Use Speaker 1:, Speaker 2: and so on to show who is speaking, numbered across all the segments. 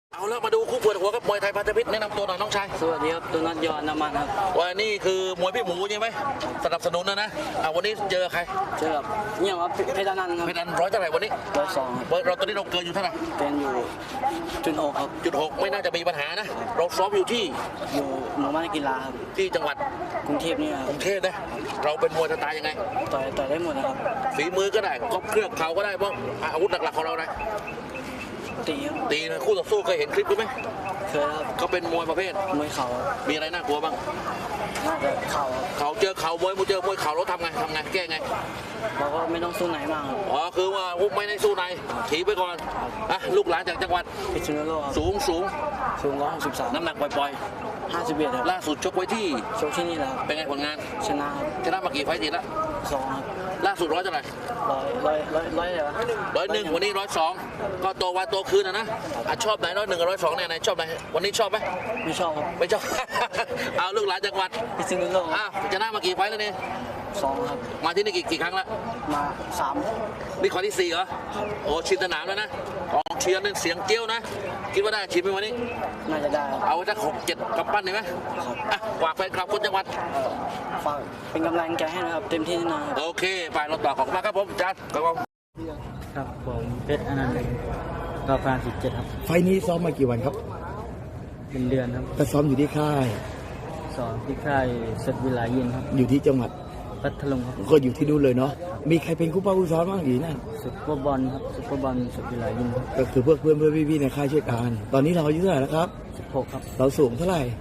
Speaker 1: เอาละมาดูคู่เปิดหัวกับมวยไทยพันธมิตรแนะนำตัวหน่อยน้องชาย
Speaker 2: สวัสดีครับตัวนัดยอนน้ำมันครับ
Speaker 1: วันนี้คือมวยพี่หมูใช่ไหมสนับสนุนนะวันนี้เจอใคร
Speaker 2: เจอกับเนี่ยครับเพชรนันท์ครับ
Speaker 1: เพชรนันท์ร้อยเท่าไหร่วันนี้
Speaker 2: 102
Speaker 1: เราตอนนี้เราเกินอยู่เท่าไหร่
Speaker 2: เป็นอยู่จุด 6ครับ
Speaker 1: จุด 6ไม่น่าจะมีปัญหานะเราซ้อมอยู่ที่
Speaker 2: หมู่บ้านกีฬาครับ
Speaker 1: ที่จังหวัด
Speaker 2: กรุงเทพนี่ครับ
Speaker 1: กรุงเทพนะเราเป็นมวยสไตล์ยังไง
Speaker 2: ต่อยได้หมดนะครับ
Speaker 1: ฝีมือก็ได้ก็เครื่องเข่าก็ได้เพราะอาวุธหลักๆของเรานะตีนะคู่ต่อสู้เคยเห็นคลิปไหม
Speaker 2: เคยครับ
Speaker 1: เขาเป็นมวยประเภท
Speaker 2: มวยเข่า
Speaker 1: มีอะไรน่ากลัวบ้าง
Speaker 2: น่าจะเข่า
Speaker 1: เจอเข่ามวยเจอมวยเข่าเราทำไงแก้ไง
Speaker 2: เราก็ไม่ต้องสู้ไหนมาก
Speaker 1: คือว่าไม่ได้สู้ไหนถีบไปก่อนลูกหลานจากจังหวัด
Speaker 2: พิษณุโลก
Speaker 1: สูง
Speaker 2: 163
Speaker 1: น้ำหนักปล่อย
Speaker 2: 51ครับ
Speaker 1: ล่าสุดชกไว้ที่
Speaker 2: นี่แล้ว
Speaker 1: เป็นไงผลงาน
Speaker 2: ชนะ
Speaker 1: มากี่ไฟต์ติดละ
Speaker 2: 2ครับ
Speaker 1: ล่าสุดร้อยเท่าไหร่
Speaker 2: ร้อยเหรอ
Speaker 1: 101วันนี้102ก็ตัววันตัวคืนนะชอบไหน101กับ102เนี่ยไหนชอบไหนวันนี้ชอบไหม
Speaker 2: ไม่ชอบครับ
Speaker 1: ไม่ชอบ เอาลูกหลานจังหวัด
Speaker 2: พิษณุโลก
Speaker 1: ชนะมากี่ไฟต์แล้วเนี่ย
Speaker 2: 2ครับ
Speaker 1: มาที่นี่กี่ครั้งแล้ว
Speaker 2: มา3
Speaker 1: นี่ครั้งที่4เหรอโอ้ชินสนามแล้วนะกองเชียร์นี่เสียงเกี้ยวนะคิดว่าได้ชิมไหมวันนี้
Speaker 2: น่าจะได้
Speaker 1: เอาสัก6-7กำปั้นได้ไหมฝากแฟนคลับคนจังหวัด
Speaker 2: ฝากเป็นกำลังใจให้นะครับเต็มที่นะ
Speaker 1: โอเคไปเราต่อของมาครับผมจัด
Speaker 2: ครับผมเพชรอนันต์กาแฟ17ครับ
Speaker 3: ไฟนี้ซ้อมมากี่วันครับ
Speaker 2: เป็นเดือนครับ
Speaker 3: ก็ซ้อมอยู่ที่ค่าย
Speaker 2: ซ้อมที่ค่ายเสร็จวิลายินครับ
Speaker 3: อยู่ที่จังหวัด
Speaker 2: พัทลุงครับ
Speaker 3: ก็อยู่ที่นู่นเลยเนาะมีใครเป็นคู่เป้าคู่ซ้อมบ้างอยู่นั่น
Speaker 2: ซุปเปอร์บอลครับซุปเปอร์บอลเสร็จวิลายิน
Speaker 3: ก็คือเพื่อนพี่ๆในค่ายช่วยกันตอนนี้เราอายุเท่าไหร่แล้วครับ
Speaker 2: 16ครับ
Speaker 3: เราสูงเท่าไหร่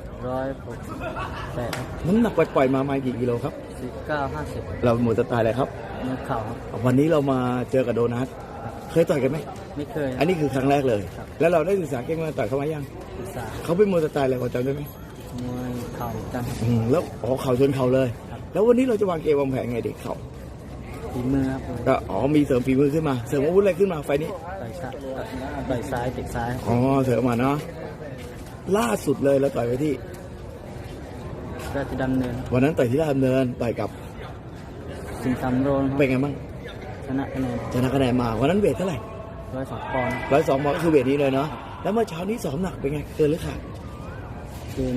Speaker 2: 168ครับ
Speaker 3: น้ำหนักปล่อยมากี่กิโลครับ
Speaker 2: 49-50
Speaker 3: เราหมดสไตล์อะไรครับ
Speaker 2: มือเข่าครับ
Speaker 3: วันนี้เรามาเจอกับโดนัทเคยต่อยกันไหม
Speaker 2: ไม่เคย
Speaker 3: อันนี้คือครั้งแรกเลยแล้วเราได้ศึกษาเก่งมาต่อยเขามายัง
Speaker 2: ศึกษา
Speaker 3: เขาเป็นมวยสไตล์อะไรพอจำได้ไหม
Speaker 2: มวยเข่าจัง
Speaker 3: แล้วเข่าชนเข่าเลยแล้ววันนี้เราจะวางเกมวางแผนไงเด็กเขา
Speaker 2: ฝีมือครับ
Speaker 3: ก็มีเสริมฝีมือขึ้นมาเสริมอาวุธอะไรขึ้นมาไฟนี้
Speaker 2: ต่อยซ้ายเตะซ้าย
Speaker 3: เสริมมาเนาะล่าสุดเลยเราต่อยไปที่
Speaker 2: ราชดำเนิน
Speaker 3: วันนั้นต่อยที่ราชดำเนินต่อยกับ
Speaker 2: สิงห์สำโรง
Speaker 3: เป็นไงบ้าง
Speaker 2: ชนะคะแนน
Speaker 3: มาวันนั้นเวทเท่าไหร่
Speaker 2: 102 ปอนด์
Speaker 3: 102 ปอนด์ก็คือเวทนี้เลยเนาะแล้วเมื่อเช้านี้ซ้อมหนักเป็นไงเกินหรือขาด
Speaker 2: เกิน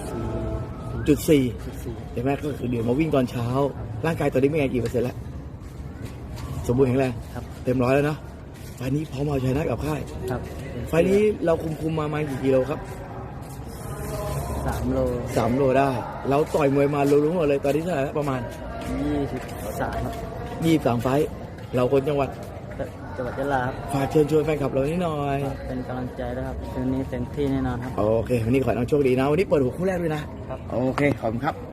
Speaker 3: 4.4ใช่ไหมก็คือเดี๋ยวมาวิ่งตอนเช้าร่างกายตอนนี้เป็นไงกี่เปอร์เซ็นต์แล้วสมบูรณ์แข็งแรงเต็ม100แล้วเนาะไฟนี้พร้อมเอาชนะกับค่ายไฟนี้เราคุมมากี่กิโลครับ3 โลได้เราต่อยมวยมารู้หมดเลยตอนนี้เท่าไหร่ประมาณ
Speaker 2: 23ครับ
Speaker 3: 23 ไฟเราคนจังหวัด
Speaker 2: ยะลา
Speaker 3: ฝากเชิญชวนแฟนคลับเรานิดหน่อย
Speaker 2: เป็นกำลังใจด้วยครับคืนนี้เต็มที่แน่นอนครับ
Speaker 3: โอเควันนี้ขอให้น้องโชคดีนะวันนี้เปิดหัวคู่แรกด้วยนะโอเคขอบคุณครับ